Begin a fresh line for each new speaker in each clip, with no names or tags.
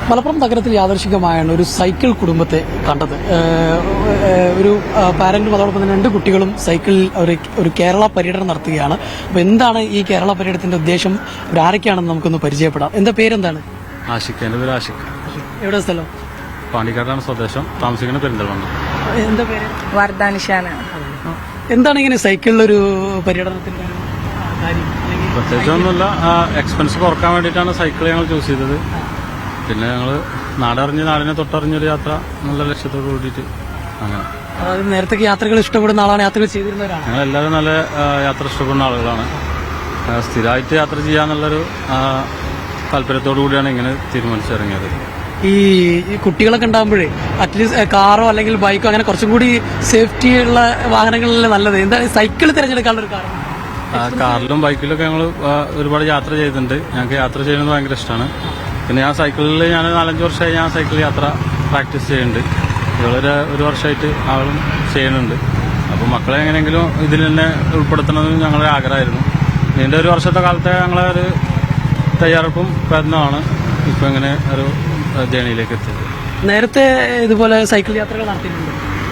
മലപ്പുറം നഗരത്തിൽ യാദൃശികമായാണ് ഒരു സൈക്കിൾ കുടുംബത്തെ കണ്ടത്. ഒരു പാരന്റും അതോടൊപ്പം തന്നെ 2 കുട്ടികളും സൈക്കിളിൽ ഒരു കേരള പര്യടനം നടത്തുകയാണ്. അപ്പോൾ എന്താണ് ഈ കേരള പര്യടനത്തിന്റെ ഉദ്ദേശം, ആരൊക്കെയാണെന്ന് നമുക്കൊന്ന് പരിചയപ്പെടാം. എന്താ പേരെന്താണ്?
ആഷിഖ്. എൻ്റെ പേര് ആഷിഖ്.
എവിടെ സ്ഥലം?
പാണ്ടിക്കാടാണ് സ്വദേശം, താമസിക്കുന്ന പെരിന്തൽമണ്ണ.
എന്താ പേര്?
വർദ്ധാനിഷാന.
എന്താണ് ഇങ്ങനെ സൈക്കിളിലൊരു പര്യടനത്തിന്റെ കാര്യം?
പ്രത്യേകിച്ചൊന്നുമില്ല, എക്സ്പെൻസ് കുറക്കാൻ വേണ്ടിയിട്ടാണ് സൈക്കിൾ ഞങ്ങൾ ചൂസ് ചെയ്തത്. പിന്നെ ഞങ്ങൾ നാടിനെ തൊട്ടറിഞ്ഞൊരു യാത്ര നല്ല ലക്ഷ്യത്തോട് കൂടിയിട്ട് അങ്ങനെ.
അതായത് നേരത്തെ യാത്രകൾ ഇഷ്ടപ്പെടുന്ന ആളാണ്, യാത്രകൾ ചെയ്തിരുന്നവരാണ്.
ഞങ്ങൾ എല്ലാവരും നല്ല യാത്ര ഇഷ്ടപ്പെടുന്ന ആളുകളാണ്. സ്ഥിരമായിട്ട് യാത്ര ചെയ്യാന്നുള്ളൊരു താല്പര്യത്തോടു കൂടിയാണ് ഇങ്ങനെ തീരുമാനിച്ചിറങ്ങിയത്.
ഈ കുട്ടികളൊക്കെ ഉണ്ടാകുമ്പോഴേ അറ്റ്ലീസ്റ്റ് കാറോ അല്ലെങ്കിൽ ബൈക്കോ അങ്ങനെ കുറച്ചും കൂടി സേഫ്റ്റി ഉള്ള വാഹനങ്ങളിലല്ലേ നല്ലത്. എന്താണ് സൈക്കിൾ തിരഞ്ഞെടുക്കാനുള്ള ഒരു കാരണം?
കാറിലും ബൈക്കിലൊക്കെ ഞങ്ങൾ ഒരുപാട് യാത്ര ചെയ്തിട്ടുണ്ട്. ഞങ്ങൾക്ക് യാത്ര ചെയ്യുന്നത് ഭയങ്കര ഇഷ്ടമാണ്. പിന്നെ ഞാൻ സൈക്കിളിൽ 4-5 വർഷമായി ഞാൻ സൈക്കിൾ യാത്ര പ്രാക്ടീസ് ചെയ്യുന്നുണ്ട്. ഒരു വർഷമായിട്ട് ആളും ചെയ്യുന്നുണ്ട്. അപ്പോൾ മക്കളെ എങ്ങനെയെങ്കിലും ഇതിൽ തന്നെ ഉൾപ്പെടുത്തണമെന്ന് ഞങ്ങളുടെ ആഗ്രഹമായിരുന്നു. ഇതിൻ്റെ 1 വർഷത്തെ കാലത്തെ ഞങ്ങളെ ഒരു തയ്യാറെടുപ്പും പ്രയത്നമാണ് ഇപ്പോൾ ഇങ്ങനെ ഒരു ജേണിയിലേക്ക് എത്തിയത്.
നേരത്തെ ഇതുപോലെ സൈക്കിൾ യാത്രകൾ നടത്തിയിട്ടുണ്ട്?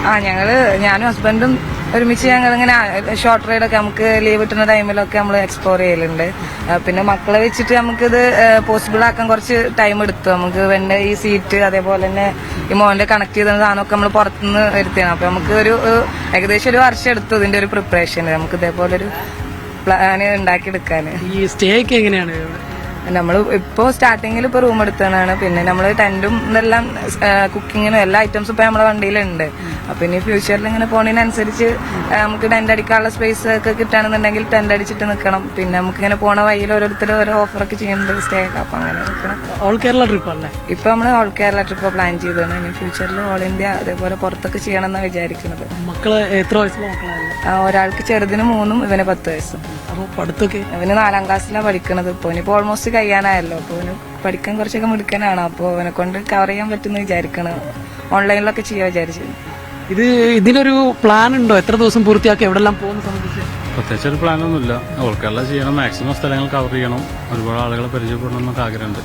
ഞാനും ഹസ്ബൻഡും ഒരുമിച്ച് ഞങ്ങളിങ്ങനെ ഷോർട്ട് റൈഡൊക്കെ നമുക്ക് ലീവ് കിട്ടുന്ന ടൈമിലൊക്കെ നമ്മൾ എക്സ്പ്ലോർ ചെയ്യലുണ്ട്. പിന്നെ മക്കളെ വെച്ചിട്ട് നമുക്കിത് പോസിബിൾ ആക്കാൻ കുറച്ച് ടൈം എടുത്തു. നമുക്ക് വേണ്ട ഈ സീറ്റ് അതേപോലെ തന്നെ ഈ മോന്റെ കണക്ട് ചെയ്ത സാധനമൊക്കെ നമ്മൾ പുറത്തുനിന്ന് വരുത്തിയാണ്. അപ്പൊ നമുക്ക് ഏകദേശം 1 വർഷം എടുത്തു ഇതിന്റെ ഒരു പ്രിപ്പറേഷൻ. നമുക്ക് ഇതേപോലെ ഒരു പ്ലാന് ഉണ്ടാക്കിയെടുക്കാൻ.
ഈ സ്റ്റേ ഒക്കെ എങ്ങനെയാണ്?
നമ്മൾ ഇപ്പോൾ സ്റ്റാർട്ടിങ്ങിൽ ഇപ്പോൾ റൂം എടുത്തതാണ്. പിന്നെ നമ്മൾ ടെന്റും ഇതെല്ലാം കുക്കിങ്ങിനും എല്ലാ ഐറ്റംസും ഇപ്പോൾ നമ്മുടെ വണ്ടിയിലുണ്ട്. അപ്പൊ ഇനി ഫ്യൂച്ചറിൽ ഇങ്ങനെ പോണതിനനുസരിച്ച് നമുക്ക് ടെന്റ് അടിക്കാനുള്ള സ്പേസ് ഒക്കെ കിട്ടുകയാണെന്നുണ്ടെങ്കിൽ ടെന്റ് അടിച്ചിട്ട് നിൽക്കണം. പിന്നെ നമുക്ക് ഇങ്ങനെ പോണ വഴിയിൽ ഓരോരുത്തരും ഓരോ ഓഫറൊക്കെ ചെയ്യുന്നുണ്ട് സ്റ്റേ ഒക്കെ. അപ്പൊ അങ്ങനെ നിൽക്കണം.
ഓൾ കേരള ട്രിപ്പ് അല്ലേ?
ഇപ്പൊ നമ്മൾ ഓൾ കേരള ട്രിപ്പ് പ്ലാൻ ചെയ്തതാണ്. ഇനി ഫ്യൂച്ചറിൽ ഓൾ ഇന്ത്യ അതേപോലെ പുറത്തൊക്കെ ചെയ്യണം എന്നാണ് വിചാരിക്കുന്നത്.
മക്കള് എത്ര വയസ്സുള്ള മക്കളാണ്?
ഒരാൾക്ക് ചെറുതിന് 3, ഇവന് 10 വയസ്സും.
അപ്പോൾ പഠിത്തമൊക്കെ?
ഇവന് 4ാം ക്ലാസ്സിലാണ് പഠിക്കുന്നത്. ഇപ്പോൾ ഇനിയിപ്പോൾ ഓൾമോസ്റ്റ് കഴിയാനായല്ലോ. അപ്പോൾ ഇവന് പഠിക്കാൻ കുറച്ചൊക്കെ മിടുക്കനാണ്. അപ്പോൾ അവനെ കൊണ്ട് കവർ ചെയ്യാൻ പറ്റുമെന്ന് വിചാരിക്കണം. ഓൺലൈനിലൊക്കെ ചെയ്യാൻ വിചാരിച്ചു.
ഇതിനൊരു പ്ലാൻ ഉണ്ടോ? എത്ര ദിവസം പൂർത്തിയാക്കി എവിടെല്ലാം പോകുന്ന സംബന്ധിച്ച്?
പ്രത്യേകിച്ച് ഒരു പ്ലാനൊന്നുമില്ല. ഓൾ കേരള ചെയ്യണം, മാക്സിമം സ്ഥലങ്ങൾ കവർ ചെയ്യണം, ഒരുപാട് ആളുകളെ പരിചയപ്പെടണം എന്നൊക്കെ ആഗ്രഹമുണ്ട്.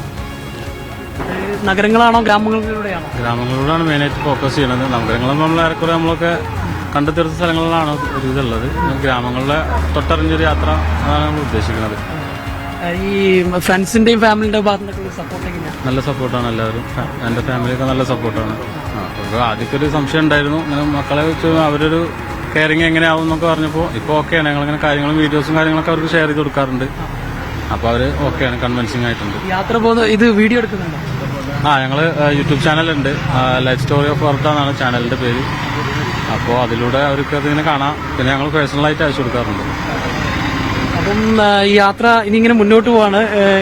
നഗരങ്ങളാണോ ഗ്രാമങ്ങളിലൂടെയാണോ?
ഗ്രാമങ്ങളിലൂടെയാണ് മെയിനായിട്ട് ഫോക്കസ് ചെയ്യണത്. നഗരങ്ങളും നമ്മൾ ഏറെക്കുറെ നമ്മളൊക്കെ കണ്ടു തീർത്ത സ്ഥലങ്ങളിലാണ് ഒരു ഇതുള്ളത്. ഗ്രാമങ്ങളിലെ തൊട്ടറിഞ്ഞൊരു യാത്ര അതാണ് നമ്മൾ ഉദ്ദേശിക്കുന്നത്.
ഈ ഫ്രണ്ട്സിന്റെയും ഫാമിലിന്റെ ഭാഗത്തുനിന്നൊക്കെ സപ്പോർട്ട് എങ്ങനെയാണ്?
നല്ല സപ്പോർട്ടാണ് എല്ലാവരും. എൻ്റെ ഫാമിലിയൊക്കെ നല്ല സപ്പോർട്ടാണ്. അപ്പോൾ ആദ്യമൊക്കെ ഒരു സംശയം ഉണ്ടായിരുന്നു, ഇങ്ങനെ മക്കളെ വെച്ച് അവരൊരു കെയറിങ് എങ്ങനെയാവും എന്നൊക്കെ പറഞ്ഞപ്പോൾ ഇപ്പോൾ ഓക്കെയാണ്. ഞങ്ങളിങ്ങനെ കാര്യങ്ങളും വീഡിയോസും കാര്യങ്ങളൊക്കെ അവർക്ക് ഷെയർ ചെയ്ത് കൊടുക്കാറുണ്ട്. അപ്പോൾ അവർ ഓക്കെയാണ്, കൺവിൻസിങ് ആയിട്ടുണ്ട്.
യാത്ര പോകുന്ന ഇത് വീഡിയോ എടുക്കുന്നുണ്ടോ?
ഞങ്ങൾ യൂട്യൂബ് ചാനലുണ്ട്, ലൈഫ് സ്റ്റോറി ഓഫ് വർത്ത എന്നാണ് ചാനലിൻ്റെ പേര്. അപ്പോൾ അതിലൂടെ അവർക്ക് അതിങ്ങനെ കാണാം. പിന്നെ ഞങ്ങൾ പേഴ്സണലായിട്ട് അയച്ചു കൊടുക്കാറുണ്ട്.
അപ്പം ഈ യാത്ര ഇനി ഇങ്ങനെ മുന്നോട്ട് പോവാണ്.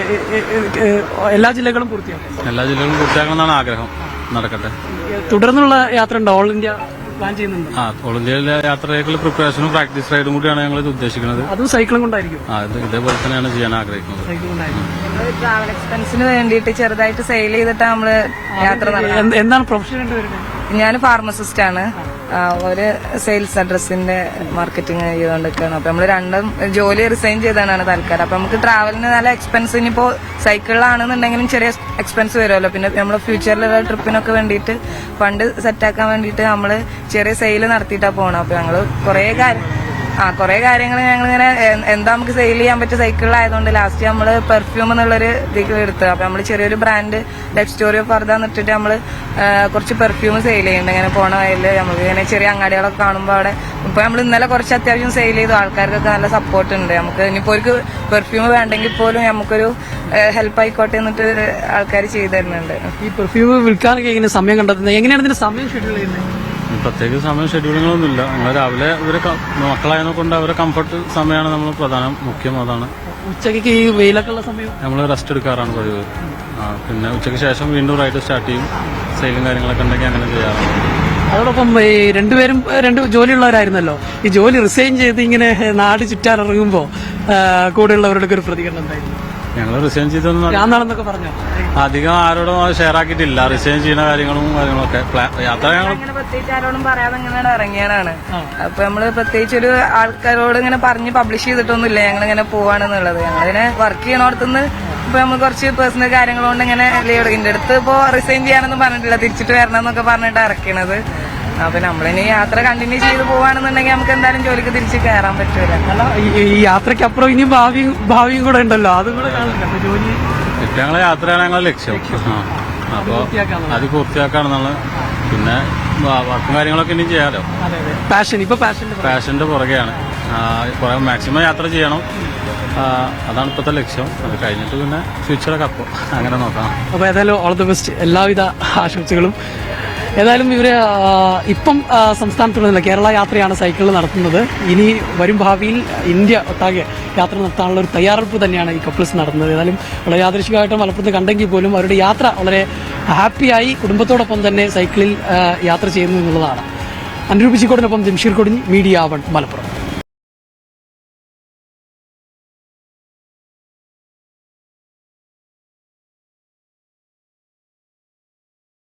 എല്ലാ ജില്ലകളും പൂർത്തിയാക്കും?
എല്ലാ ജില്ലകളും പൂർത്തിയാക്കണം എന്നാണ് ആഗ്രഹം. നടക്കട്ടെ.
തുടർന്നുള്ള യാത്ര ഉണ്ടോ? ഓൾ ഇന്ത്യ പ്ലാൻ ചെയ്യുന്നുണ്ട്?
ഓൾ ഇന്ത്യയിലെ യാത്രയ്ക്കുള്ള പ്രിപ്പറേഷനും പ്രാക്ടീസ് റൈഡും കൂടിയാണ് ഞങ്ങൾ ഇത് ഉദ്ദേശിക്കുന്നത്.
അതും സൈക്കിളും കൊണ്ടായിരിക്കും?
ഇതേപോലെ തന്നെയാണ് ചെയ്യാൻ ആഗ്രഹിക്കുന്നത്.
ട്രാവൽ എക്സ്പെൻസിന് വേണ്ടിയിട്ട് ചെറുതായിട്ട് സെയിൽ ചെയ്തിട്ടാണ് നമ്മള് യാത്ര നടത്തുന്നത്.
എന്താണ് പ്രൊഫഷൻ വരുന്നത്?
ഞാൻ ഫാർമസിസ്റ്റ് ആണ്. ഒരു സെയിൽസ് അഡ്രസ്സിന്റെ മാർക്കറ്റിംഗ് ചെയ്തുകൊണ്ടിരിക്കുകയാണ്. അപ്പൊ നമ്മള് രണ്ടും ജോലി റിസൈൻ ചെയ്താണ് തൽക്കാലം. അപ്പൊ നമുക്ക് ട്രാവലിന് നല്ല എക്സ്പെൻസ്, ഇനിയിപ്പോ സൈക്കിളിലാണെന്നുണ്ടെങ്കിലും ചെറിയ എക്സ്പെൻസ് വരുമല്ലോ. പിന്നെ നമ്മള് ഫ്യൂച്ചറിലുള്ള ട്രിപ്പിനൊക്കെ വേണ്ടിയിട്ട് ഫണ്ട് സെറ്റാക്കാൻ വേണ്ടിയിട്ട് നമ്മള് ചെറിയ സെയിൽ നടത്തിയിട്ടാണ് പോകണം. അപ്പൊ ഞങ്ങള് കുറെ കാര്യങ്ങൾ ഞങ്ങളിങ്ങനെ എന്താ നമുക്ക് സെയിൽ ചെയ്യാൻ പറ്റിയ സൈക്കിളിലായതുകൊണ്ട് ലാസ്റ്റ് നമ്മള് പെർഫ്യൂം എന്നുള്ളൊരു ഇതിൽ എടുത്തത്. അപ്പൊ നമ്മള് ചെറിയൊരു ബ്രാൻഡ് ലൈഫ് സ്റ്റോറി ഓഫ് വർത്ത എന്നിട്ടിട്ട് നമ്മള് കുറച്ച് പെർഫ്യൂം സെയിൽ ചെയ്യുന്നുണ്ട്. ഇങ്ങനെ പോണ വഴിയില് നമുക്ക് ഇങ്ങനെ ചെറിയ അങ്ങാടികളൊക്കെ കാണുമ്പോൾ അവിടെ ഇപ്പൊ നമ്മൾ ഇന്നലെ കുറച്ച് അത്യാവശ്യം സെയിൽ ചെയ്തു. ആൾക്കാർക്കൊക്കെ നല്ല സപ്പോർട്ട് ഉണ്ട്. നമുക്ക് ഇനിയിപ്പോ ഒരു പെർഫ്യൂം വേണ്ടെങ്കിൽ പോലും നമുക്കൊരു ഹെൽപ്പ് ആയിക്കോട്ടെ എന്നിട്ട് ആൾക്കാർ ചെയ്തു തരുന്നുണ്ട്.
ഈ പെർഫ്യൂം വിൽക്കാനൊക്കെ എങ്ങനെ സമയം കണ്ടെത്തുന്നത്? എങ്ങനെയാണ് ഇതിന്റെ സമയം ഷെഡ്യൂൾ ചെയ്യുന്നത്?
പ്രത്യേക സമയം ഷെഡ്യൂളുകളൊന്നുമില്ല. നമ്മൾ രാവിലെ മക്കളായതിനെ കൊണ്ട് അവരെ കംഫർട്ട് സമയമാണ് നമ്മൾ മുഖ്യം അതാണ്.
ഉച്ചയ്ക്ക് ഈ വെയിലൊക്കെ ഉള്ള സമയം
നമ്മൾ റെസ്റ്റ് എടുക്കാറാണ് പതിവ്. പിന്നെ ഉച്ചയ്ക്ക് ശേഷം വീണ്ടും റൈഡ് സ്റ്റാർട്ട് ചെയ്യും. സെയിലും കാര്യങ്ങളൊക്കെ ഉണ്ടെങ്കിൽ അങ്ങനെ ചെയ്യാറുണ്ട്.
അതോടൊപ്പം ഈ രണ്ടുപേരും 2 ജോലിയുള്ളവരായിരുന്നല്ലോ. ഈ ജോലി റിസൈൻ ചെയ്ത് ഇങ്ങനെ നാട് ചുറ്റാനിറങ്ങുമ്പോൾ കൂടെയുള്ളവരുടെ ഒരു പ്രതികരണം എന്തായിരുന്നു?
ഞങ്ങൾ റിസൈൻ ചെയ്തൊന്നും
പറഞ്ഞോ?
അധികം ആരോടും ഷെയർ ആക്കിയിട്ടില്ല. റിസൈൻ ചെയ്യുന്ന കാര്യങ്ങളൊക്കെ യാത്ര ഞങ്ങൾ
പ്രത്യേകിച്ച് ആരോടും പറയാതെ ഇങ്ങനെ ഇറങ്ങിയതാണ്. അപ്പൊ നമ്മള് പ്രത്യേകിച്ച് ഒരു ആൾക്കാരോട് ഇങ്ങനെ പറഞ്ഞ് പബ്ലിഷ് ചെയ്തിട്ടൊന്നുമില്ല ഞങ്ങളിങ്ങനെ പോവാണെന്നുള്ളത്. ഞങ്ങളിങ്ങനെ വർക്ക് ചെയ്യണോടത്തുനിന്ന് ഇപ്പൊ നമ്മൾ കുറച്ച് പേഴ്സണൽ കാര്യങ്ങൾ കൊണ്ട് ഇങ്ങനെ ലീവ് എടുക്കും. എന്റെ അടുത്ത് ഇപ്പോ റിസൈൻ ചെയ്യാനൊന്നും പറഞ്ഞിട്ടില്ല, തിരിച്ചിട്ട് വരണം എന്നൊക്കെ പറഞ്ഞിട്ട് ഇറക്കണത്. അപ്പൊ നമ്മളിനി യാത്ര കണ്ടിന്യൂ ചെയ്ത് പോവാണെന്നുണ്ടെങ്കിൽ നമുക്ക് എന്തായാലും ജോലിക്ക് തിരിച്ച് കയറാൻ പറ്റൂല.
അല്ല ഈ യാത്രയ്ക്കപ്പുറം ഇനിയും ഭാവിയും കൂടെ ഉണ്ടല്ലോ, അതും കൂടെ കാണണ്ടേ. അപ്പൊ ജോലി
ഞങ്ങളെ യാത്രയാണ് ഞങ്ങളുടെ ലക്ഷ്യം. അപ്പോൾ അത് പൂർത്തിയാക്കാണെന്നുള്ള, പിന്നെ വർക്കും കാര്യങ്ങളൊക്കെ ഇനി ചെയ്യാലോ. പാഷന്റെ പുറകെയാണ്. മാക്സിമം യാത്ര ചെയ്യണം, അതാണ് ഇപ്പോഴത്തെ ലക്ഷ്യം. അത് കഴിഞ്ഞിട്ട് പിന്നെ ഫ്യൂച്ചറൊക്കെ അപ്പോൾ അങ്ങനെ നോക്കാം.
അപ്പോൾ ഏതായാലും ഓൾ ദി ബെസ്റ്റ്, എല്ലാവിധ ആശംസകളും. ഏതായാലും ഇവര് ഇപ്പം സംസ്ഥാനത്തുള്ള കേരള യാത്രയാണ് സൈക്കിളിൽ നടത്തുന്നത്. ഇനി വരും ഭാവിയിൽ ഇന്ത്യ ഒട്ടാകെ യാത്ര നടത്താനുള്ള ഒരു തയ്യാറെടുപ്പ് തന്നെയാണ് ഈ കപ്പിൾസ് നടത്തുന്നത്. ഏതായാലും വളരെ യാദൃശികമായിട്ട് മലപ്പുറത്ത് കണ്ടെങ്കിൽ പോലും അവരുടെ യാത്ര വളരെ ഹാപ്പിയായി കുടുംബത്തോടൊപ്പം തന്നെ സൈക്കിളിൽ യാത്ര ചെയ്യുന്നു എന്നുള്ളതാണ്. അനുരൂപിച്ചിക്കോടിനൊപ്പം ജംഷീർ കൊടിഞ്ഞി, മീഡിയ 1 മലപ്പുറം.